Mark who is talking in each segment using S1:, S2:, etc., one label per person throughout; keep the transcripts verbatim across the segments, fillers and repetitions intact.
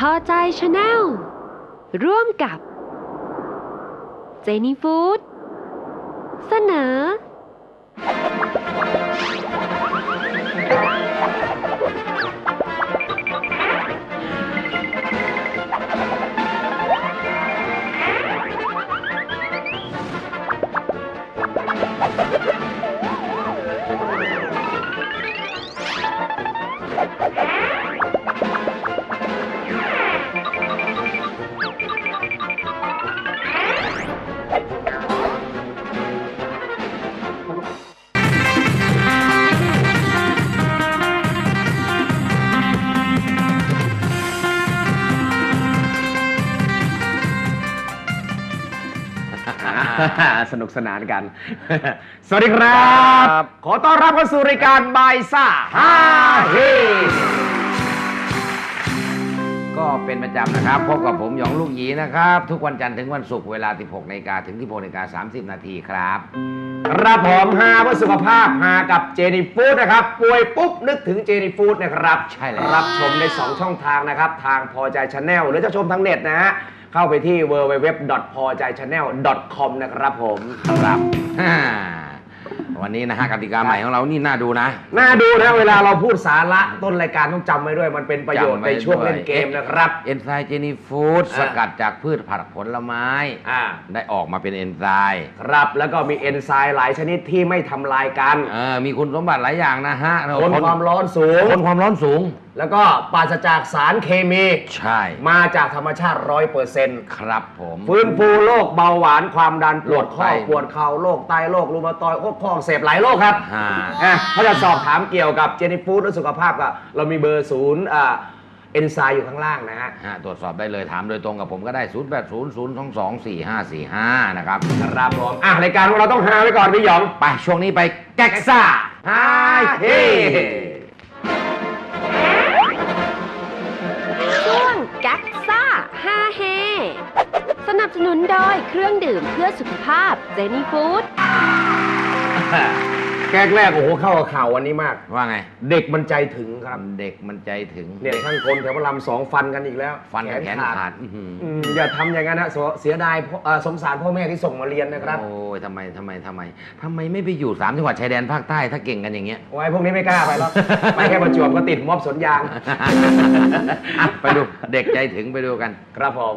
S1: พอใจชาแนลร่วมกับเจนี่ฟู้ดเสนอ
S2: สนุกสนานกัน สวัสดีครับ ขอต้อนรับเข้าสู่รายการบายซ่าฮาเฮก็เป็นประจำนะครับพบกับผมหยองลูกหยีนะครับทุกวันจันทร์ถึงวันศุกร์เวลา สิบหกนาฬิกา ถึง สิบหกนาฬิกา สามสิบนาทีครับครับผมฮาเพื่อสุขภาพฮากับเจนี่ฟู้ดนะครับป่วยปุ๊บนึกถึงเจนี่ฟู้ดนะครับใช่เลยรับชมในสองช่องทางนะครับทางพอใจชาแนลหรือจะชมทางเน็ตนะฮะเข้าไปที่ ดับเบิลยู ดับเบิลยู ดับเบิลยู ดอท พอใจชาแนล ดอท คอม นะครับผมครับวันนี้นะฮะกติกาใหม่ของเรานี่น่าดูนะน่าดูนะเวลาเราพูดสาระต้นรายการต้องจำไว้ด้วยมันเป็นประโยชน์ในช่วงเล่นเกมนะครับเอนไซม์เจนี่ฟู้ดสกัดจากพืชผักผลไม้ได้ออกมาเป็นเอนไซม์ครับแล้วก็มีเอนไซม์หลายชนิดที่ไม่ทำลายกันมีคุณสมบัติหลายอย่างนะฮะทนความร้อนสูงทนความร้อนสูงแล้วก็ปราศจากสารเคมีใช่มาจากธรรมชาติ ร้อยเปอร์เซ็นต์ ครับผมฟื้นฟูโรคเบาหวานความดันปวดข้อปวดเข่าโรคไตโรครูมาตอยด์โรคข้ออักเสบหลายโรคครับถ้าจะสอบถามเกี่ยวกับเจนี่ฟู้ดและสุขภาพก็เรามีเบอร์ศูนย์เอนไซม์อยู่ข้างล่างนะฮะตรวจสอบได้เลยถามโดยตรงกับผมก็ได้ศูนย์ แปด ศูนย์ ศูนย์ สอง สอง สี่ ห้า สี่ ห้านะครับครับผมอ่ะรายการของเราต้องฮาไว้ก่อนพี่หยองไปช่วงนี้ไปแก๊กซ่าฮาเฮ
S1: ช่วงแก๊กซ่าฮาเฮสนับสนุนโดยเครื่องดื่มเพื่อสุขภาพเจนี่ฟู้ด
S2: แก๊กแรกโอ้โหเข้ากับข่าววันนี้มากว่าไงเด็กมันใจถึงครับเด็กมันใจถึงเนี่ยช่างกลแถวพระรามสองฟันกันอีกแล้วฟันแขนขาดอย่าทำอย่างนั้นนะเสียดายสงสารพ่อแม่ที่ส่งมาเรียนนะครับโอ้ยทำไมทำไมทำไมทำไมไม่ไปอยู่สามจังหวัดชายแดนภาคใต้ถ้าเก่งกันอย่างเงี้ยโอ้ยพวกนี้ไม่กล้าไปหรอกไปแค่ประจวบก็ติดม็อบสวนยางไปดูเด็กใจถึงไปดูกันครับผม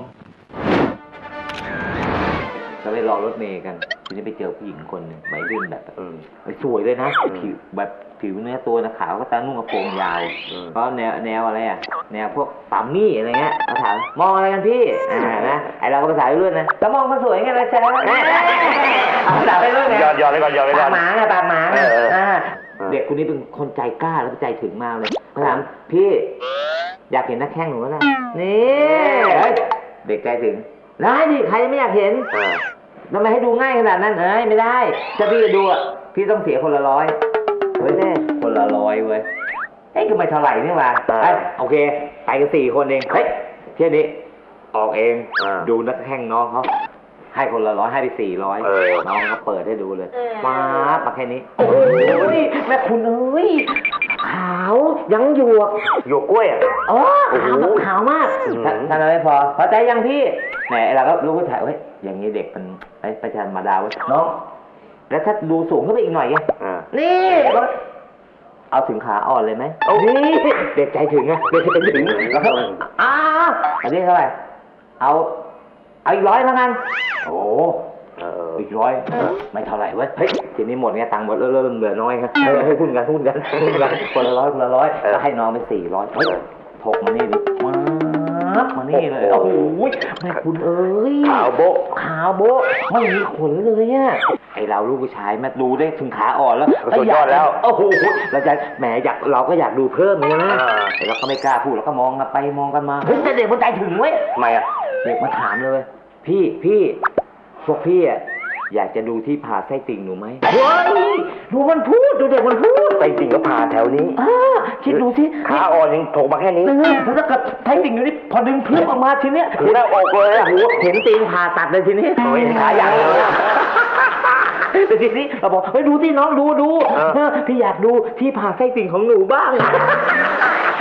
S3: ก็ไปรอรถเมย์กันทีนี้ไปเจอผู้หญิงคนหนึ่งวัยรุ่นแบบเออสวยเลยนะผิวแบบผิวเนื้อตัวนะขาวก็ตานุ่งกระโปรงยาวเพราะแนวแนวอะไรอ่ะแนวพวกปามมี่อะไรเงี้ยเขาถามมองอะไรกันพี่อ่านะไอเราก็ภาษาไปเรื่อยนะก็มองเขาสวยไงนะแชร์ภาษาไปเรื่อยไง
S2: ยอดยอดเลยก่อนยอดเลยก่อน
S3: ปากหมาไงปากหมาอ่าเด็กคนนี้เป็นคนใจกล้าแล้วก็ใจถึงมากเลยเขาถามพี่อยากเห็นนักแข่งหนูแล้วนะนี่เด็กใจถึงได้ดิใครไม่อยากเห็นทำไมให้ดูง่ายขนาดนั้นเอ้ยไม่ได้ถ้าพี่จะดูอ่ะพี่ต้องเสียคนละร้อยเฮ้ยเน่คนละร้อยเว้ยเอ้ยก็ไม่เท่าไหร่นี่หว่าโอเคไปกันสี่คนเองเฮ้ยเที่ยวนี้ออกเองดูนักแข่งน้องเขาให้คนละร้อยให้ไปสี่ร้อยน้องเขาเปิดให้ดูเลยมาปากแค่นี้โอ้ยแม่คุณเอ้ยขาวยังหยวก
S2: หยวกกล้วยอ่ะ
S3: อ๋อขาวขาวมากท่านอะไรพอพอใจยังพี่แหมเราก็รู้ว่าถ่ายเว้ยอย่างนี้เด็กมันไอ้ประชาธรรมดาเว้ยน้องแล้วถ้าดูสูงขึ้นไปอีกหน่อยไงนี่เอาถึงขาอ่อนเลยไหมนี่เด็กใจถึงไงเด็กใจถึงแล้วก็อ้าอันนี้เท่าไหร่เอาเอาอีกร้อยแล้วกันโอ้อีกร้อยไม่เท่าไหร่เว้ยเฮ้ยทีนี้หมดไงตังค์หมดเริ่มเริ่มเหลือน้อยครับเฮ้ยหุ้นกันหุ้นกันหุ้นกันคนละร้อยคนละร้อยก็ให้น้องไปสี่ร้อยเฮ้ยถกมานี่ดิมามานี่เลยโอ้โหแม่คุณเอ้ย
S2: ขาวโบ๊ะ
S3: ขาวโบ๊ะไม่มีขนเลยอ่ะไอเราลูกผู้ชายแม่ดูได้ถึงขาอ่อนแล้ว
S2: สุดยอดแล้ว
S3: โอ้โหเราจะแหมอยากเราก็อยากดูเพิ่มนี่นะแต่เราก็ไม่กล้าพูดเราก็มองกันไปมองกันมาเฮ้ยแต่เด็กมันใจถึงเว้ย
S2: ทำไมอ่ะ
S3: เด็กมาถามเลยพี่พี่พวกพี่อ่ะอยากจะดูที่ผ่าไส้ติ่งหนูไหมเฮ้ยดูมันพูดดูเด็กมันพูด
S2: ไส้ติ่งก็ผ่าแถวนี้
S3: คิดดูที่
S2: ขาอ่อนยังถกมาแค่นี้
S3: แล้วถ้าเกิดไส้ติ่งอยู่นี่พอดึงพื้นออกมาทีเนี้ย
S2: หูหน้าอกเลยอ่ะหู
S3: เห็นตีนผ่าตัดเลยทีนี้
S2: โอ้ยขาใหญ่เลย
S3: แต่ทีนี้เราบอกเฮ้ยดูที่น้องดูดูพี่อยากดูที่ผ่าไส้ติ่งของหนูบ้างแต่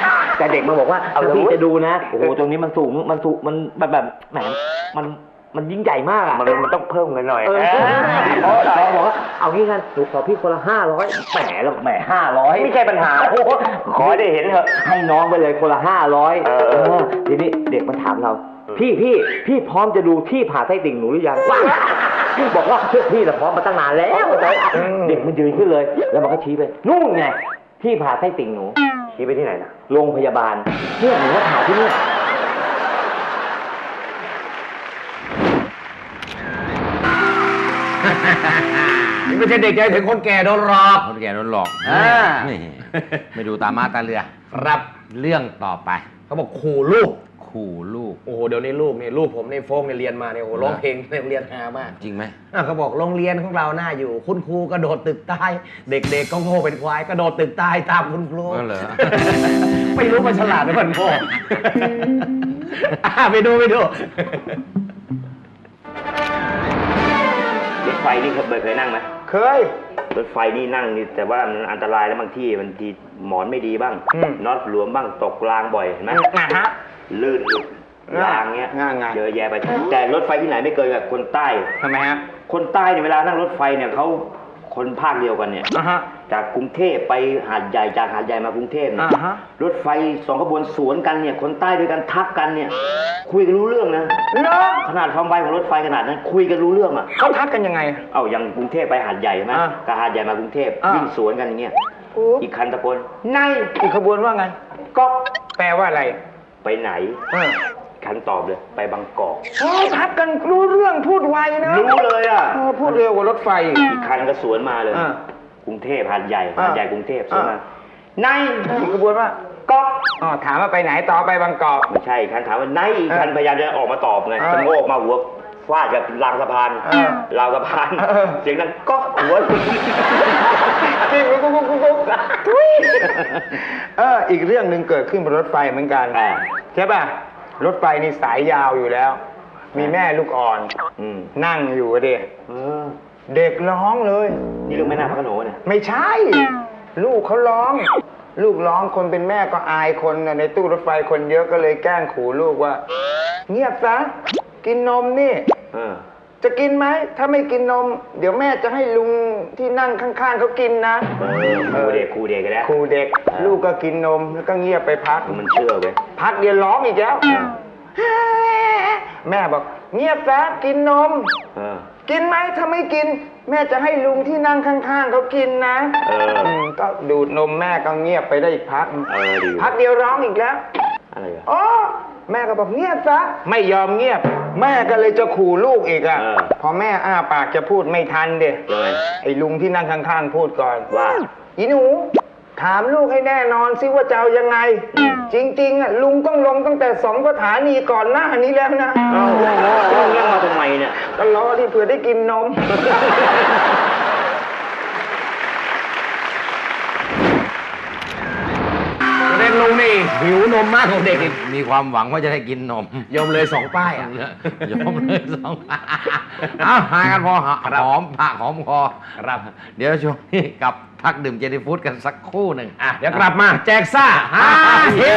S3: แต่เด็กมาบอกว่าถ้าพี่จะดูนะโอ้โหตรงนี้มันสูงมันสูงมันแบบแบบแหมมันมันยิ่งใหญ่มากอ่ะ
S4: มันมันต้องเพิ่มเงินหน่อย
S3: เออเราบอกว่าเอางี้กันหนูขอพี่คนละห้าร้อยแหมแล้วแหมห้าร้อย
S4: ไม่ใช่ปัญหา
S3: โอ้โห
S4: ขอได้เห็นเถอะ
S3: ให้น้องไปเลยคนละห้าร้อย
S4: เออ
S3: เออทีนี้เด็กมันถามเรา พี่พี่พี่พร้อมจะดูที่ผ่าไส้ติ่งหนูหรือยังว้าบอกว่าพี่น่ะพร้อมมาตั้งนานแล้วเด็กมันยืนขึ้นเลย แล้วมันก็ชี้ไปนู่นไงที่ผ่าไส้ติ่งหนู
S4: ชี้ไปที่ไหนนะ
S3: โรงพยาบาลเนี่ยหนูว่าผ่าที่นี่
S2: นี่ไม่ใช่เด็กใจถึงคนแก่โดนหลอกคนแก่โดนหลอกอ่าไม่ดูตามาตาเรือครับเรื่องต่อไป
S5: เขาบอกขู่ลูก
S2: ขู่ลูก
S5: โอ้โห เดี๋ยวนี้ลูกนี่ลูกผมในโฟกเนี่ยเรียนมาเนี่ยโอ้โหร้องเพลงในโรงเรียนฮามาก
S2: จริงไหม
S5: อ่ะเขาบอกโรงเรียนของเราหน้าอยู่ คุณครูกระโดดตึกตาย เด็กๆก็โง่เป็นควายกระโดดตึกตายตามคุณครู
S2: นั่นเหรอ
S5: ไม่รู้มันฉลาดหรือมันโง่อ่ะไปดูไปดู
S4: รถไฟนี่เคยเคยนั่งไหม
S5: เคย
S4: รถไฟนี่นั่งนี่แต่ว่ามันอันตรายแล้วบางที่บางทีหมอนไม่ดีบ้าง
S5: อืม
S4: น็อตหลวมบ้างตกรางบ่อยเห็นไหม
S5: นะฮะ
S4: ลื่นหลุดรางเงี้ย
S5: ง่ายๆ
S4: เยอะแยะไปแต่รถไฟที่ไหนไม่เกินกับคนใต้
S5: ทำไมฮะ
S4: คนใต้เนี่ยเวลานั่งรถไฟเนี่ยเขาคนภาคเดียวกันเนี่ย
S5: อ่ะฮะ
S4: จากกรุงเทพไปหาดใหญ่จากหาดใหญ่มากรุงเทพเนี่ย
S5: อ่าฮะ
S4: รถไฟสองขบวนสวนกันเนี่ยคนใต้ด้วยกันทักกันเนี่ยคุยกันรู้เรื่องนะ
S5: เหรอ
S4: ขนาดความไวของรถไฟขนาดนั้นคุยกันรู้เรื่องอ่ะ
S5: เขาทักกันยังไง
S4: เอาอย่างกรุงเทพไปหาดใหญ่ใช่ไหม
S5: อ่า
S4: กับหาดใหญ่มากรุงเทพ
S5: อ่า
S4: วิ่งสวนกันอย่างเงี้ยอีกคันตะโกนใน
S5: อีกขบวนว่าไงก็แปลว่าอะไร
S4: ไปไหน
S5: เออ
S4: คันตอบเลยไปบางกอก
S5: โอ้ทักกันรู้เรื่องพูดไวนะ
S4: รู้เลยอ่ะ
S5: เออพูดเร็วกว่ารถไฟ
S4: อีกคันก็สวนมาเลย
S5: อ่า
S4: กรุงเทพหาดใหญ่
S5: อ่า
S4: หาดใหญ่กรุงเทพสวนมา
S5: อ่า
S4: ใน
S5: อีกขบวนว่าก็อ๋อถามว่าไปไหนต่อไปบางกอก
S4: ไม่ใช่อีกคันถามว่าในอีกคัน
S5: เออ
S4: พยายามจะออกมาตอบไง
S5: เออ
S4: จะโงกมาหัวฟาดกับรางสะพาน
S5: เออ
S4: ราวสะพาน
S5: เออ
S4: เสียงดังก็หัว
S5: จริงกุ๊กกุ๊กกุ๊กกุ๊กเอออีกเรื่องหนึ่งเกิดขึ้นบนรถไฟเหมือนกัน
S4: อ่า
S5: ใช่ป่ะรถไฟนี่สายยาวอยู่แล้ว มีแม่ลูกอ่อน
S4: อืม
S5: นั่งอยู่อะเด็ก
S4: เออ
S5: เด็กร้องเลย
S4: นี่ลูกแม่นาคพระโขนงเนี่ย
S5: ไม่ใช่ ลูกเขาร้อง ลูกร้องคนเป็นแม่ก็อายคนน่ะในตู้รถไฟคนเยอะก็เลยแกล้งขู่ลูกว่า เงียบซะกินนมนี่
S4: เออ
S5: จะกินไหมถ้าไม่กินนม เดี๋ยวแม่จะให้ลุงที่นั่งข้างๆเขากินนะ
S4: เออครูเด็กครูเด็กกันแล้ว
S5: ขู่เด็ก ลูกก็กินนมแล้วก็เงียบไปพัก
S4: มันเชื่อเว้ย
S5: พักเดียวร้องอีกแล้ว แม่บอก เงียบซะกินนม
S4: เออ
S5: กินไหมถ้าไม่กิน แม่จะให้ลุงที่นั่งข้างๆเขากินนะ
S4: เออ
S5: มก็ดูดนมแม่ก็เงียบไปได้อีกพัก
S4: เออดี
S5: พักเดียวร้องอีกแล้ว
S4: อะไรอ่ะ
S5: อ๋อแม่ก็บอกเงียบซะไม่ยอมเงียบ แม่ก็เลยจะขู่ลูกอีกอ่ะ
S4: เออ
S5: พอแม่อ้าปากจะพูดไม่ทันเด็
S4: ยังไง
S5: ไอ้ลุงที่นั่งข้างๆพูดก่อน
S4: ว่า
S5: อีหนู ถามลูกให้แน่นอนสิว่าจะเอายังไง จริงๆอ่ะลุงต้องลงตั้งแต่สองสถานีก่อนหน้านี้แล้วนะ
S4: เอ้าแล้วเรื่องมาทำไมเนี่ย
S5: ก็รอที่เผื่อได้กินนมเด็กลุงนี่หิวนมมากกว่าเด็กอีก
S2: มีความหวังว่าจะได้กินนม
S5: ยอมเลยสองป้ายอ่ะ
S2: ยอมเลยสองเอาหากันพอหหอมปากหอมคอ
S5: ครับ
S2: เดี๋ยวช่วงนี้กลับพักดื่มเจนี่ฟู้ดกันสักครู่หนึ่ง
S5: อ่ะเดี๋ยวกลับมาแจกซ่าฮาเฮ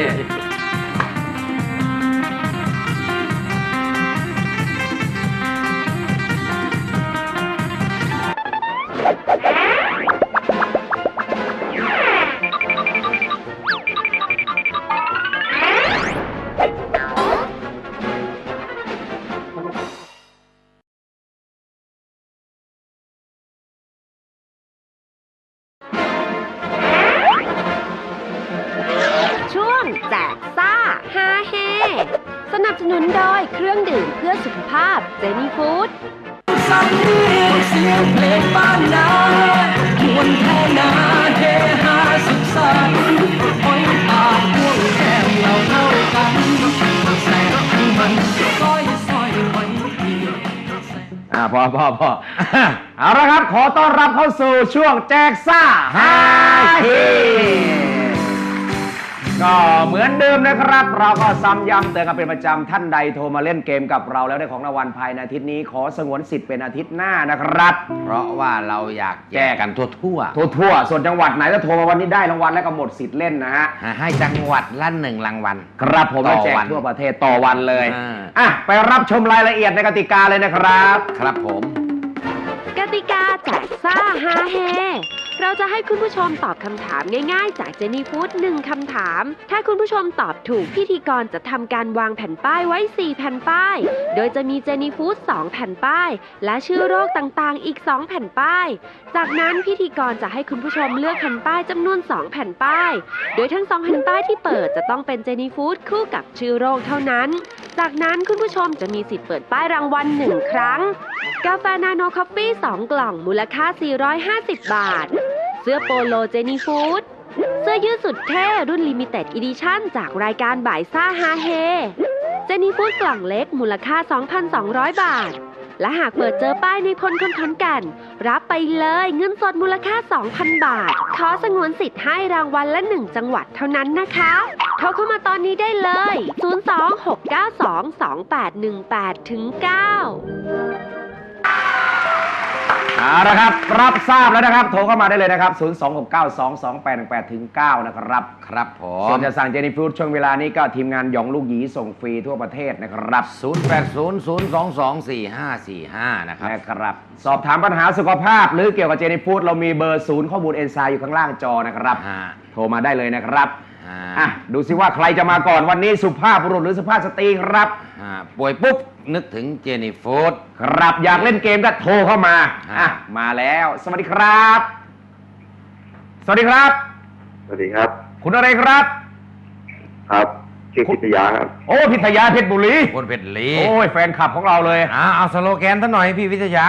S1: ช่วงแจกซ่าฮาเฮสนับสนุนโดยเครื่องดื่มเพื่อสุขภาพเจนี่ฟู้ด
S6: สำเนียงเสียงเพลงบ้านนามวนเท่านาเฮฮาสุขสันต์หอยปากพ่วงแก้มเราเท่ากันแสงมันซอยซอยหอยเดียว
S2: อ่าพอพอพอ เอาละครับ ขอต้อนรับเข้าสู่ช่วงแจกซ่าฮาเฮก็เหมือนเดิมนะครับ เราก็ซ้ำย้ำเตือนกันเป็นประจำท่านใดโทรมาเล่นเกมกับเราแล้วได้ของรางวัลภายในอาทิตย์นี้ขอสงวนสิทธิ์เป็นอาทิตย์หน้านะครับ
S7: เพราะว่าเราอยากแจกกันทั่วทั่ว
S2: ทั่วๆส่วนจังหวัดไหนถ้าโทรมาวันนี้ได้รางวัลแล้วก็หมดสิทธิ์เล่นนะฮะ
S7: ๆให้จังหวัดละหนึ่งรางวัล
S2: ครับผม
S7: ต่
S2: มา
S7: อ
S2: แจก
S7: วัน
S2: ทั่วประเทศต่อวันเลย
S7: อ่า
S2: อ่ะไปรับชมรายละเอียดในกติกาเลยนะครับ
S7: ครับผม
S1: กติกาแจกซ่าฮาเฮเราจะให้คุณผู้ชมตอบคำถามง่ายๆ จากเจนี่ฟู้ดหนึ่งคำถาม ถ้าคุณผู้ชมตอบถูกพิธีกรจะทำการวางแผ่นป้ายไว้ สี่ แผ่นป้าย โดยจะมีเจนี่ฟู้ดสองแผ่นป้าย และชื่อโรคต่างๆ อีก สอง แผ่นป้าย จากนั้นพิธีกรจะให้คุณผู้ชมเลือกแผ่นป้ายจำนวน สอง แผ่นป้าย โดยทั้ง สอง แผ่นป้ายที่เปิดจะต้องเป็นเจนี่ฟู้ดคู่กับชื่อโรคเท่านั้น จากนั้นคุณผู้ชมจะมีสิทธิ์เปิดป้ายรางวัลหนึ่งครั้ง กาแฟนาโนคอฟฟี่สองกล่องมูลค่า สี่ร้อยห้าสิบ บาท เสื้อโปโลเจนี่ฟู้ดเสื้อยืดสุดเท่รุ่นลิมิเต็ดอีดิชั่นจากรายการบ่ายซ่าฮาเฮเจนี่ฟู้ดกล่องเล็กมูลค่า สองพันสองร้อย บาท และหากเปิดเจอป้ายในพลคนขอนแก่นรับไปเลยเงินสดมูลค่า สองพัน บาท ขอสงวนสิทธิ์ให้รางวัลละหนึ่งจังหวัดเท่านั้นนะคะโทรเข้ามาตอนนี้ได้เลย ศูนย์ สอง หก เก้า สอง สอง แปด หนึ่ง แปด เก้า
S2: เอาละครับรับทราบแล้วนะครับโทรเข้ามาได้เลยนะครับ ศูนย์ สอง หก เก้า สอง สอง แปด หนึ่ง แปด เก้า นะครับ
S7: ครับผ
S2: ส่ว
S7: ม
S2: นจะสั่งเจนี่ฟู้ดช่วงเวลานี้ก็ทีมงานหยองลูกหยีส่งฟรีทั่วประเทศนะครับ
S7: ศูนย์ แปด ศูนย์ ศูนย์ สอง สอง สี่ ห้า สี่ ห้า นะครับ
S2: นะครับสอบถามปัญหาสุขภาพหรือเกี่ยวกับเจนี่ฟู้ดเรามีเบอร์ศูนย์ข้อมูลเอนไซม์อยู่ข้างล่างจอนะครับ
S7: ฮะ
S2: โทรมาได้เลยนะครับ
S7: อ่า
S2: อ่ะดูสิว่าใครจะมาก่อนวันนี้สุภาพบุรุษหรือสุภาพสตรีครับ
S7: อ่าป่วยปุ๊บ นึกถึงเจนี่ฟู้ด
S2: ครับอยากเล่นเกมก็โทรเข้ามา
S7: ฮะ
S2: อ่ะมาแล้ว สวัสดีครับ สวัสดีครับ
S8: สวัสดีครับ
S2: คุณอะไรครับ
S8: ครับชื่อพิทยาครับ
S2: โอ้พิทยาเพชรบุรี
S7: คนเพชรลี
S2: โอ้ยแฟนคลับของเราเลย
S7: อ่าเอาสโลแกนซะหน่อยพี่วิทยา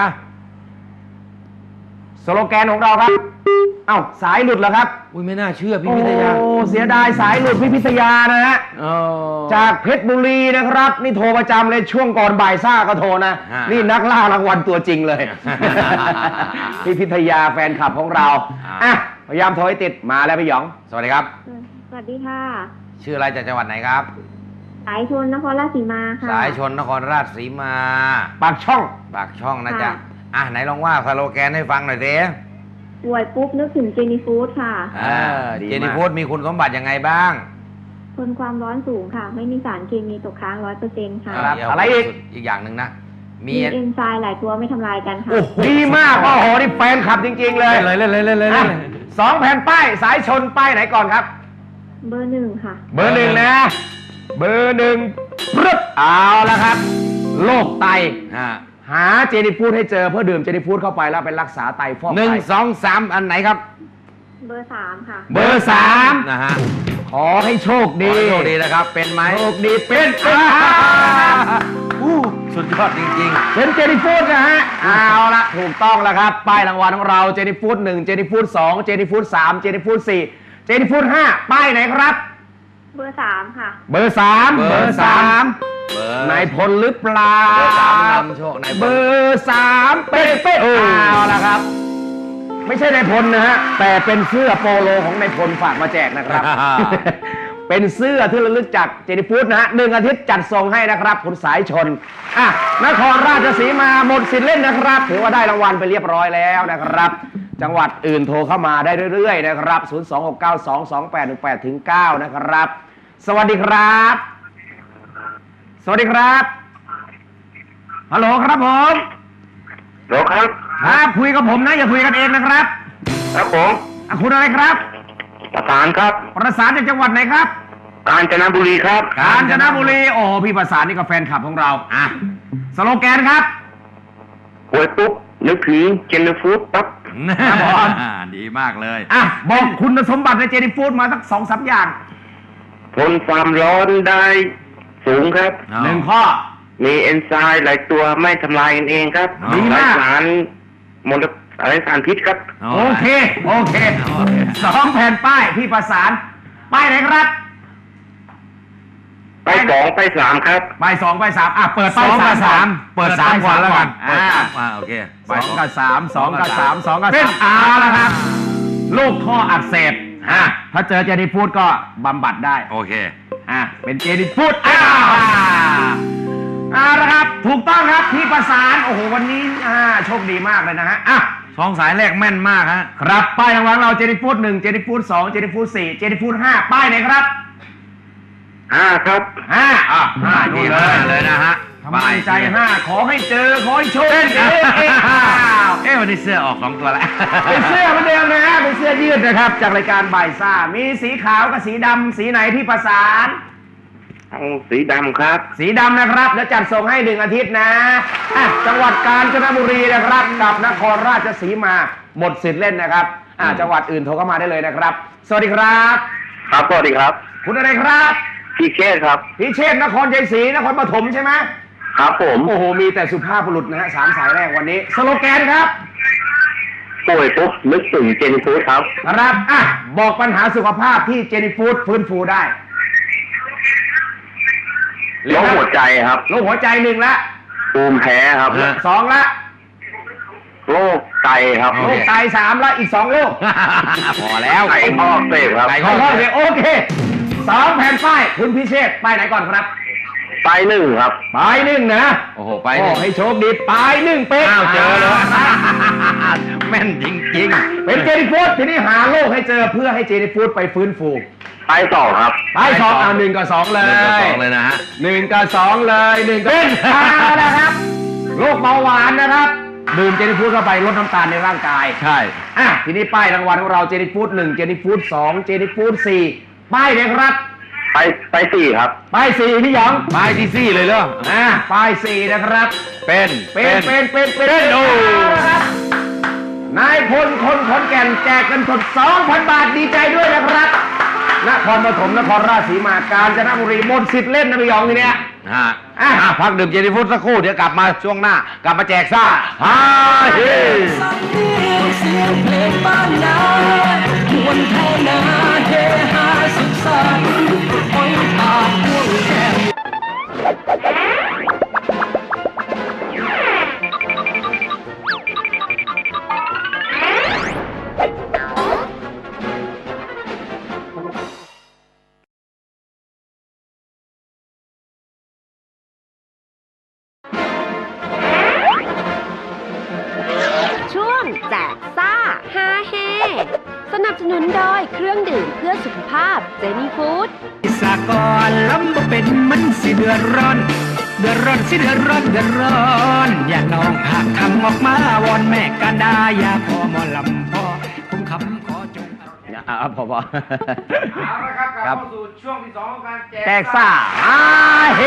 S2: สโลแกนของเราครับ เอ้าสายหลุดเหรอครับ
S7: อุ้ยไม่น่าเชื่อพี่วิทยา
S2: โอ้เสียดายสายหลุดพี่พิทยานะฮะ
S7: เออ
S2: จากเพชรบุรีนะครับ นี่โทรประจำเลยช่วงก่อนบ่ายซ่าก็โทรนะ
S7: ฮะ
S2: นี่นักล่ารางวัลตัวจริงเลย พี่พิทยาแฟนคลับของเรา
S7: อ่า
S2: อ่ะพยายามโทรให้ติดมาแล้วพี่หยอง
S7: สวัสดีครับ
S9: สวัสดีค่ะ
S7: ชื่ออะไรจากจังหวัดไหนครับ
S9: สายชนนครราชสีมาค่ะ
S7: สายชนนครราชสีมา
S2: ปากช่อง
S7: ปากช่องนะจ๊ะ
S9: ค่ะ
S7: อ่ะไหนลองว่าสโลแกนให้ฟังหน่อยสิ
S9: ป่วยปุ๊บนึกถึงเจนี่ฟู้ดค่ะ
S7: เออ
S2: ดีมาก
S7: เจนี่ฟู้ดมีคุณสมบัติยังไงบ้าง
S9: ทนความร้อนสูงค่ะ ไม่มีสารเคมีตกค้างร้อยเปอร์เซ็นต์ค่ะ
S2: ครับ
S7: เดี๋ยว
S2: อะไรอีก
S7: อีกอย่างหนึ่งนะ มี
S9: มีเอนไซม์หลายตัวไม่ทำลายกันค่ะ
S2: โอ้โหดีมากโอ้โหนี่แฟนคลับจริง ๆ เลย
S7: เลยเลยเลยเลยเลย
S2: อ่ะสองแผ่นป้ายสายชนป้ายไหนก่อนครับ
S9: เบอร์หนึ่งค่ะ
S2: เบอร์หนึ่งนะ เบอร์หนึ่งปึ๊บเอาละครับ โรคไต
S7: อ่า
S2: หาเจนี่ฟู้ดให้เจอเพื่อดื่มเจนี่ฟู้ดเข้าไปแล้วไปรักษาไตฟอก
S7: หนึ่ง
S2: ไต
S7: สองสามอันไหนครับ
S9: เบอร์สามค่ะ
S2: เบอร์สาม
S7: นะฮะ
S2: ขอให้โชค
S7: ขอ
S2: ดี
S7: ให้โชคดีนะครับ เป็นไหม
S2: โชคดีเป็นเป็น
S7: อ่า
S2: อ่า
S7: อู้สุดยอดจริง
S2: เป็นเจนี่ฟู้ดนะฮะเอาละถูกต้องแล้วครับป้ายรางวัลของเราเจนี่ฟู้ดหนึ่งเจนี่ฟู้ดสองเจนี่ฟู้ดสามเจนี่ฟู้ดสี่เจนี่ฟู้ดห้าป้ายไหนครับ
S9: เบอร์สามค่ะ
S2: เบอร์สาม
S7: เบอร์สาม เบอร์
S2: นายพลหรือเปล่า
S7: เบอร์สามนำโชคนายพล
S2: เบอร์สามเป๊ะเป๊ะเอาละครับ ไม่ใช่นายพลนะฮะแต่เป็นเสื้อโปโลของนายพลฝากมาแจกนะครับ เป็นเสื้อที่ระลึกจากเจนี่ฟู้ดนะฮะหนึ่งอาทิตย์จัดส่งให้นะครับคุณสายชนอ่ะนครราชสีมาหมดสิทธิ์เล่นนะครับถือว่าได้รางวัลไปเรียบร้อยแล้วนะครับ จังหวัดอื่นโทรเข้ามาได้เรื่อยๆนะครับ ศูนย์ สอง หก เก้า สอง สอง แปด หนึ่ง แปด เก้า นะครับ สวัสดีครับ สวัสดีครับฮัลโหลครับผม
S8: โหลครับ
S2: ครับคุยกับผมนะอย่าคุยกันเองนะครับ
S8: ครับผม
S2: อ่ะคุณอะไรครับ
S8: ประสานครับ
S2: ประสานจากจังหวัดไหนครับ
S8: กาญจนบุรีครับ
S2: กาญจนบุรีโอ้โหพี่ประสานนี่ก็แฟนคลับของเราอ่ะสโลแกนครับ
S8: ป่วยปุ๊บนึกถึงเจนฟูดปั๊บ
S2: ครับผม
S7: ดีมากเลย
S2: อ่ะบอกคุณสมบัติในเจนี่ฟู้ดมาสักสองสามอย่าง
S8: ทนความร้อนได้สูงครับ
S2: หนึ่งข้อ
S8: มีเอนไซม์หลายตัวไม่ทำลายกันเองครับ
S2: ดีมาก
S8: ไร้สารมลอะไรสารพิษครับ
S2: โอเค โอเคสองแผ่นป้ายพี่ประสาน ป้ายไหนครับ
S8: ไปสองไปสามครับ
S2: ป้ายสองป้ายสามอ่ะเปิด
S7: ส
S2: ป้าย
S7: อง
S2: สา
S7: กั
S2: ม
S7: บสามเปิดสามก่อนแล้วกัน
S2: อ่า
S7: อ่าโอเค
S2: สองกับสามสองกับสามสองกับสามเอาละครับ ลูกข้ออักเสบอ่ะถ้าเจอเจนี่ฟูดก็บำบัดได้
S7: โอเค
S2: อ่ะเป็นเจนี่ฟูดอ่าอ่าละครับถูกต้องครับที่ประสานโอ้โหวันนี้อ่าโชคดีมากเลยนะฮะอ่ะ
S7: สองสายแรกแม่นมากฮะ
S2: ครับป้ายรางวัลเราเจนี่ฟูดหนึ่งเจนี่ฟูดสองเจนี่ฟูดสี่เจนี่ฟูดห้าป้ายไหนครับ
S8: ห้าครับ
S2: ห้าอ่ะห้า
S7: ที่
S2: นี่เล
S7: ห้าย เลยนะฮะ
S2: ทำไมใจห้าขอให้เจอขอให้โชคดีเอ๊ะ
S7: เอ๊ะวันนี้เสื้อออกสองตัวแล้ว
S2: เป็นเสื้อเหมือนเดิมนะฮะเป็นเสื้อยืดนะครับจากรายการบ่ายซ่ามีสีขาวกับสีดำสีไหนที่ประสาน
S8: เอาสีดำครับ
S2: สีดำนะครับแล้วจัดส่งให้หนึ่งอาทิตย์นะอ่ะจังหวัดกาญจนบุรีนะครับกับนครราชสีมาหมดสิทธิ์เล่นนะครับอ่ะจังหวัดอื่นโทรเข้ามาได้เลยนะครับ สวัสดีครับ
S8: ครับสวัสดีครับ
S2: คุณอะไรครับ
S8: พี่เชษครับ
S2: พิเชษนครชัยศรีนครปฐมใช่ไหม
S8: ครับผม
S2: โอ้โหมีแต่สุภาพบุรุษนะฮะสามสายแรกวันนี้สโลแกนครับ
S8: ป่วยปุ๊บนึกถึงเจนฟูดครับ
S2: ครับอ่ะบอกปัญหาสุขภาพที่เจนี่ฟูดฟื้นฟูได้
S8: โรคหัวใจครับ
S2: โรคหัวใจหนึ่งละ
S8: ภูมิแพ้ครับ
S2: สองละ
S8: โรคไตครับ
S2: โรคไตสามละอีกสองโรค
S7: พอแล้ว
S8: ไตข้ออักเสบครับ
S7: ไต
S2: ขอโทษเลยโอเคสองแผ่นป้ายคุณพิเชษป้ายไหนก่อนครับ
S8: ไตหนึ่งครับ
S2: ป้ายหนึ่งนะ
S7: โอ้โห ไป
S2: โอ้
S7: เนี่ย
S2: ให้โชคดีป้ายหนึ่งเป๊ะ
S7: อ้าวเจอเลย
S2: า
S7: แม่นจริงๆ
S2: เป็นเจนี่ฟูดทีนี้หาโรคให้เจอเพื่อให้เจนี่ฟูดไปฟื้นฟู
S8: ไตสองครับ
S2: ป้ายสองเอาหนึ่งกับสองเล
S7: หนึ่งกับ
S2: ย
S7: สองเลยนะฮะ
S2: หนึ่งกับสองเลยหนึ่งกับเป็นเอานะครับโรคเบาหวานนะครับดื่มเจนี่ฟูดเข้าไปลดน้ำตาลในร่างกาย
S7: ใช่
S2: อ่ะทีนี้ป้ายรางวัลของเราเจนี่ฟูดหนึ่งเจนี่ฟูดสองเจนี่ฟูดสี่ป้ายเลยครับ
S8: ไตไตสี่ครับ
S2: ป้ายสี่พี่หยอง
S7: ไปที่ซี่เลยเหรอ
S2: อ่ะป้ายสี่นะครับ
S7: เป็น
S2: เป็นเป็นเป็นเป็น
S7: เป็นโอ้
S2: นะครับนายพลคนขอนแก่นแจกเงินสด สองพัน บาทดีใจด้วยนะครับนครปฐมนครราชสีมากาญจนบุรีหมดสิทธิ์เล่นนะพี่หยองทีเนี้ย
S7: ฮะ
S2: อ่ะ
S7: อ่ะพักดื่มเจนี่ฟูดสักครู่ เดี๋ยวกลับมาช่วงหน้า กลับมาแจกซ่าฮ่าเฮ้
S6: สำเนียงเสียงเพลงบ้านนามวนเท่านาเฮฮาสุขสันต์อ้อยปากพ่วงแก้ม
S1: ช่วงแจกซ่าฮาเฮสนับสนุนโดยเครื่องดื่มเพื่อสุขภาพเจนี่ฟู้ด
S6: สากลลำบ่เป็นมันสิเดือดร้อน เดือดร้อนสิเดือดร้อนเดือดร้อน อย่าน้องหักคำออกมาวอนแม่กันดาอย่าพอหมอลำพอคุ้มคำขอจง
S7: อ่ะพอพอ
S2: เอาละครับกลับเข้าสู่ช่วงที่สองของการแจก
S7: แจกซ่าฮ่าเฮ้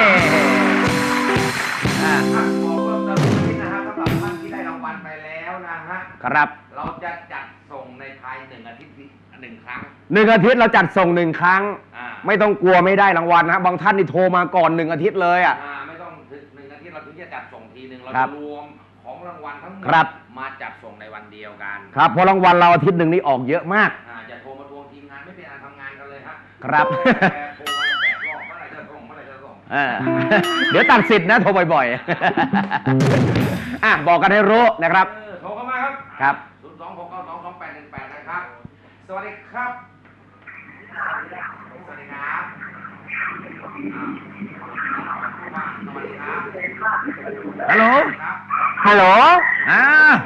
S2: อ่ะบอกเพิ่มเติมนิดนะฮะสำหรับท่านที่ได้รางวัลไปแล้วนะฮะ
S7: ครับ
S2: เราจะจัดส่งในภายหนึ่งอาทิตย์หนึ่งครั้ง
S7: หนึ่งอาทิตย์เราจัดส่งหนึ่งครั้ง
S2: อ่า
S7: ไม่ต้องกลัวไม่ได้รางวัลนะบางท่านนี่โทรมาก่อนหนึ่งอาทิตย์เลยอ่ะ
S2: อ่าไม่ต้องถึงหนึ่งอาทิตย์เราถึงจะจัดส่งทีหนึ่งเรา
S7: ครั
S2: จะ
S7: บ
S2: รวมของรางวัลทั้งหมด
S7: ครับ
S2: มาจัดส่งในวันเดียวกัน
S7: ครับเพราะรางวัลเราอาทิตย์หนึ่งนี่ออกเยอะมาก
S2: อ่าจะโทรมาทวงทีมงานไม่เป็นอันทำงานกันเลยฮะ
S7: ครับ
S2: แต่โทรมาแปดรอบเมื่อไหร่จะส่งเมื่อไหร่จะส่ง
S7: เออ เดี๋ยวตัดสิทธิ์นะโทรบ่อยๆ อ่ะบอกกันให้รู้นะครับ
S2: เออโทรเข้ามาครับ
S7: ครับ
S2: ศูนย์สองหกเก้าสองสองแปดหนึ่งแปดนะครับ สวัสดีครับ สวัสดีครับอ่าสวัสดีครับ
S7: ฮัลโหล
S2: ครับ
S7: ฮัลโหล อ่า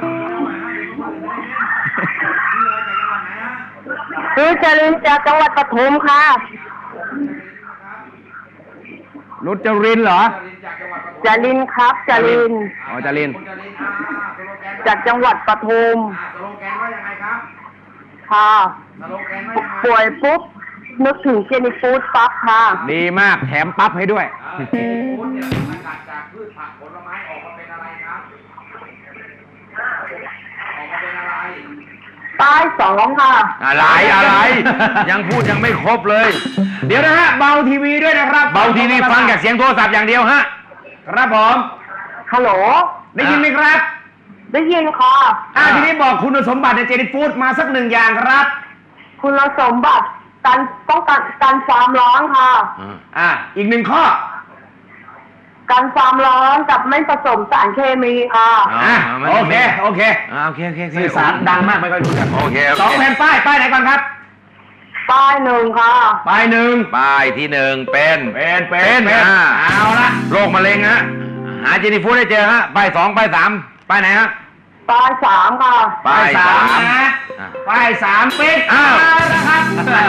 S2: ชื่ออะไรจากจังหวัดไหนฮะ
S9: คือจรินจากจังหวัดปทุมค่ะ
S7: นุชจรินเหรอ
S2: จากจังหวัดปทุม
S9: จรินครับจริน
S7: อ๋อจริน
S2: คุณจรินอ่าสโลแกน
S9: จากจังหวัดปทุม
S2: อ่าสโลแกนว่ายังไงครับ
S9: ค่ะ
S2: สโลแกนว่ายังไง
S9: ป่วยปุ๊บ นึกถึงเจนี่ฟู้ดปั๊บค่ะ
S7: ดีมากแถมปั๊บให้ด้วย
S2: อ่าเจนี่ฟู้ดเนี่ยสกัดจากพืชผักผลไม้ออกมาเป็นอะไรครับ ออกมาเป็นอะไร
S9: ป้ายสองค่ะ
S7: อะไรอะไร ยังพูดยังไม่ครบเลย
S2: เดี๋ยวนะฮะเบาทีวีด้วยนะครับ
S7: เบาทีวีฟังจากเสียงโทรศัพท์อย่างเดียวฮะ
S2: ครับผม
S9: ฮัลโหล
S2: ได้ยินไหมครับ
S9: ได้ยินค่ะ
S2: อ่าทีนี้บอกคุณสมบัติในเจนี่ฟู้ดมาสักหนึ่งอย่างครับ
S9: คุณสมบัติการป้องกันการความร้อนค่ะ
S2: อ่าอีกหนึ่งข้อ
S9: การความร้อนกับไม่ผสมสารเคมีค่ะ
S2: อ่ะโอเคโอเค
S7: อ่าโอเคโอเคโอเค
S2: สื่อสารดังมากไม่ค่อยรู้จัก
S7: โอเคโอเค
S2: สองแผ่นป้ายป้ายไหนก่อนครับ
S9: ป้ายหนึ่งค่ะ
S7: ป้ายหนึ่ง
S2: ป้ายที่หนึ่งเป็น
S7: เป็นเป็น
S2: เป็น
S7: เป็น
S2: อ่า
S7: เอาละ
S2: โรคมะเร็งฮะหาเจนี่ฟูดให้เจอฮะป้ายสองป้ายสามป้ายไหนฮะ
S9: ป้ายสามค่ะ
S2: ป้ายสาม
S7: นะ
S2: อ่ะ
S7: ป้ายสามเป็น
S2: อ้าว
S7: เละครับ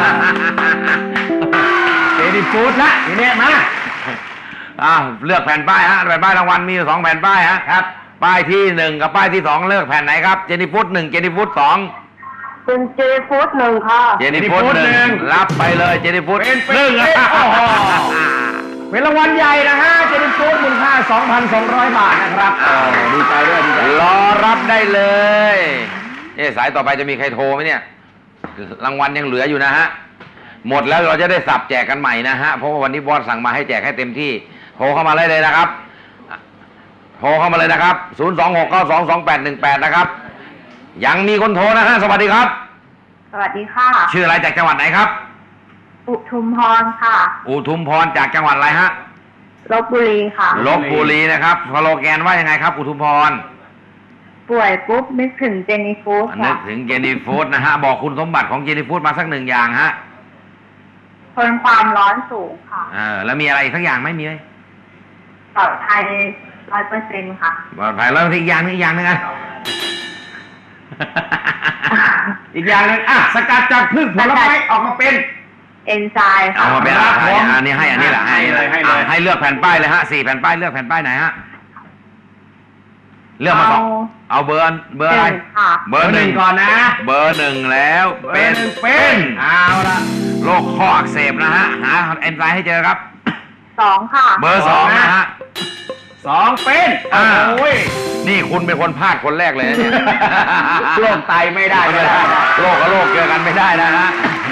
S7: เจนี่ฟูดละทีนี้มา
S2: อ้าวเลือกแผ่นป้ายฮะแผ่นป้ายรางวัลมีอยู่สองแผ่นป้ายฮะ
S7: ครับ
S2: ป้ายที่หนึ่งกับป้ายที่สองเลือกแผ่นไหนครับเจนี่ฟูดหนึ่งเจนี่ฟูดสอง
S9: เป็นเจฟูดหนึ่งค่ะ
S2: เจนี่ฟูดหนึ่งรับไปเลยเจนี่ฟูด
S7: เป็น
S2: หนึ่ง
S7: เป็นโอ้โห เป็นรางวัลใหญ่นะฮะเจนี่ฟูดมูลค่า สองพันสองร้อย บาทนะครับโอ้ดีใจด้วยดีใจ
S2: รอรับได้เลยเอ๊ะสายต่อไปจะมีใครโทรไหมเนี่ยรางวัลยังเหลืออยู่นะฮะหมดแล้วเราจะได้สับแจกกันใหม่นะฮะเพราะว่าวันนี้บอสสั่งมาให้แจกให้เต็มที่โทรเข้ามาเลยเลยนะครับโทรเข้ามาเลยนะครับศูนย์ สอง หก เก้า สอง สอง แปด หนึ่ง แปดนะครับยังมีคนโทรนะฮะสวัสดีครับ
S9: สวัสดีค่ะ
S2: ชื่ออะไรจากจังหวัดไหนครับ
S9: อุทุมพรค่ะ
S2: อุทุมพรจากจังหวัดอะไรฮะ
S9: ลบบุรีค่ะ
S2: ลบบุรีนะครับสโลแกนว่ายังไงครับอุทุมพร
S9: ป่วยปุ๊บนึกถึงเจนี่ฟูด
S2: นึ
S9: ค่ะ
S2: กถึงเจนี่ฟูดนะฮะบอกคุณสมบัติของเจนี่ฟูดมาสักหนึ่งอย่างฮะ
S9: ทนความร้อนสูงค่ะ
S2: เออแล้วมีอะไรอีกสักอย่างไหมมีไหม
S9: ปลอดภัยร้อยเปอร์เซ็นต์ค่ะ
S2: ปลอดภัยแล้วอีกอย่างหนึงอีกอย่างหนึงอะ
S7: อีกอย่างหนึงอ่ะสกัดจากพืชผลไม้ออกมาเป็น
S9: เอนไซม์
S2: เอา
S9: ค่ะ
S2: มาเป็น
S7: ครั
S2: อะ
S7: บ
S2: ไร
S7: ผม
S2: อันนี้ให้อันนี้แหละ
S7: ให้เลยให้เลย
S2: อ่ะให้เลือกแผ่นป้ายเลยฮะสี่แผ่นป้ายเลือกแผ่นป้ายไหนฮะเลือกมาสองเอาเบอร์เบอร์อะไร
S9: หนึ่งค่ะ
S2: เบอร์หนึ่ง
S7: ก่อนนะ
S2: เบอร์หนึ่งแล้วเป็น
S7: หนึ่งเป็นเอาละ
S2: โรคข้ออักเสบนะฮะหาเอนไซม์ให้เจอครับ
S9: สองค่ะ
S2: เบอร์สองนะฮะ
S7: สองเป็น
S2: อ่า
S7: โอ้ย
S2: นี่คุณเป็นคนพลาดคนแรกเลยนะเนี่ย
S7: โรคไตไม่ได้ไม่ได้
S2: โรคกับโรคเจอกันไม่ได้นะฮะ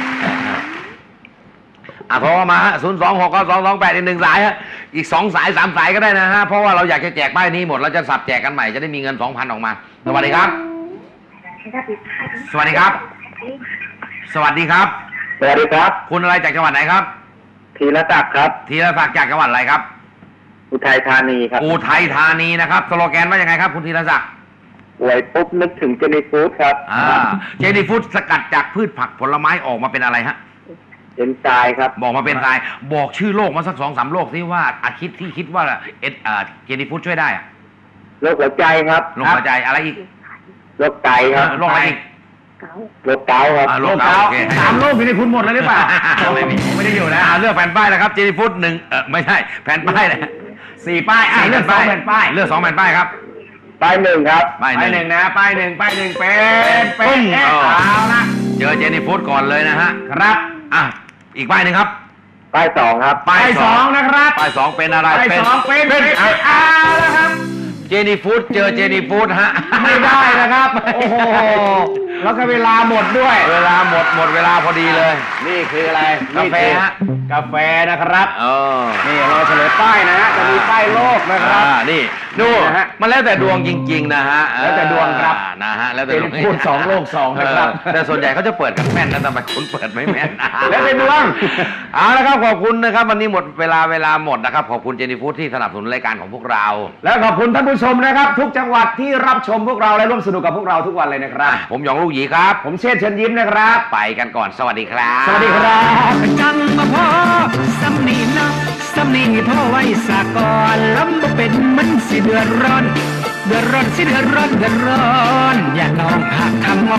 S2: อ่ะโทรเข้ามาฮะศูนย์สองหกเก้าสองสองแปดอีกหนึ่งสายฮะอีกสองสายสามสายก็ได้นะฮะเพราะว่าเราอยากจะแจกป้ายนี้หมดเราจะสับแจกกันใหม่จะได้มีเงินสองพันออกมาสวัสดีครับ สวัสดีครับ สวัสดีครับ
S8: สวัสดีครับ
S2: คุณอะไรจากจังหวัดไหนครับ
S8: ธีรศักดิ์ครับ
S2: ธีรศักดิ์จากจังหวัดอะไรครับ
S8: อุทัยธานีครับ
S2: อุทัยธานีนะครับสโลแกนว่ายังไงครับคุณธีรศักดิ์
S8: ป่วยปุ๊บนึกถึงเจนี่ฟูดครับ
S2: อ่าเจนี่ฟูดสกัดจากพืชผักผลไม้ออกมาเป็นอะไรฮะ
S8: เอนไซม์ครับ
S2: บอกมาเป็นทรายบอกชื่อโรคมาสักสองสามโรคที่ว่าอาคิดที่คิดว่าเอ็ดอ่าเจนี่ฟูดช่วยได้อะ
S8: โรคหัวใจครับ
S2: โรคหัวใจอะไรอีก
S8: โรคไตครับ
S2: โรคอะไรอีก
S8: โรคเกาต์ครับ
S2: อ่า
S7: โร
S2: โร
S7: ค
S2: ค
S7: เกา
S2: เกาต์
S7: ต์
S2: โอเค
S7: สามโรคอยู่ในคุณหมดเลยหรือเปล่า
S2: ไม่มี
S7: ไม่ได้อยู่นะ
S2: อ่าเลือกแผ่นป้ายนะครับเจนี่ฟูดหนึ่งเออไม่ใช่แผ่นป้ายเลย
S7: สี่ป้ายอ่ะเลือกสองแผ่นป้าย
S2: เลือกสองแผ่นป้ายครับ
S8: ป้ายหนึ่งครับ
S2: ป้าย
S7: ป้าย
S2: ห
S7: ห
S2: นึ่
S7: นึ่
S2: ง
S7: งนะป้ายหนึ่งป้ายหนึ่งเป็นเป็
S2: ปึ้
S7: น
S2: ง
S7: เอ๊ะ
S2: เอา
S7: เอาละ
S2: เจอเจนี่ฟูดก่อนเลยนะฮะ
S7: ครับ
S2: อ่ะอีกป้ายหนึ่งครับ
S8: ป้ายสองครับ
S7: ป้ายสองนะครับ
S2: ป้ายสองเป็นอะไร
S7: ป้ายสองเป็นเป็น
S2: อ่ะ
S7: เอาละครับ
S2: เจนี่ฟูดเจอเจนี่ฟูดฮะ
S7: ไม่ได้นะครับ โอ้โห แล้วก็เวลาหมดด้วย
S2: เวลาหมดหมดเวลาพอดีเลย
S7: นี่คืออะไร
S2: กาแฟฮะ
S7: กาแฟนะครับ
S2: เออ
S7: นี่เราเฉลยป้ายนะฮะ จะมีป้ายโลกนะครับ
S2: อ่านี่ดู
S7: นะฮะ
S2: มันแล้วแต่ดวงจริง ๆ นะฮะ
S7: แล้วแต่ดวงครับ
S2: อ่านะฮะแล้วแต่ดวง
S7: เป็นพูดสองโลกสองนะครับ
S2: เออแต่ส่วนใหญ่เขาจะเปิดกันแม่นนะแต่ทำไมคุณเปิดไม่แม่น
S7: แล้วแต่ดวง
S2: เอาละครับขอบคุณนะครับวันนี้หมดเวลาเวลาหมดนะครับขอบคุณเจนี่ฟูดที่สนับสนุนรายการของพวกเรา
S7: แล้วขอบคุณท่านผู้ชมนะครับ ทุกจังหวัดที่รับชมพวกเราและร่วมสนุกกับพวกเราทุกวันเลยนะครับ
S2: ผมหยองลูกหยีครับ
S7: ผมเชษฐ์เชิญยิ้มนะครับ
S2: ไปกันก่อนสวัสดีครับ
S7: สวัสดีครับ
S6: จังมาพอสำนีนะสำนีพ่อไว้สากอนลำบ่เป็นมันสิเดือดร้อน เดือดร้อนสิเดือดร้อนเดือดร้อน อย่าลองหักคำ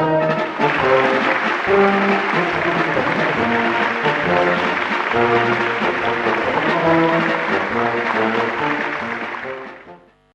S6: ว่า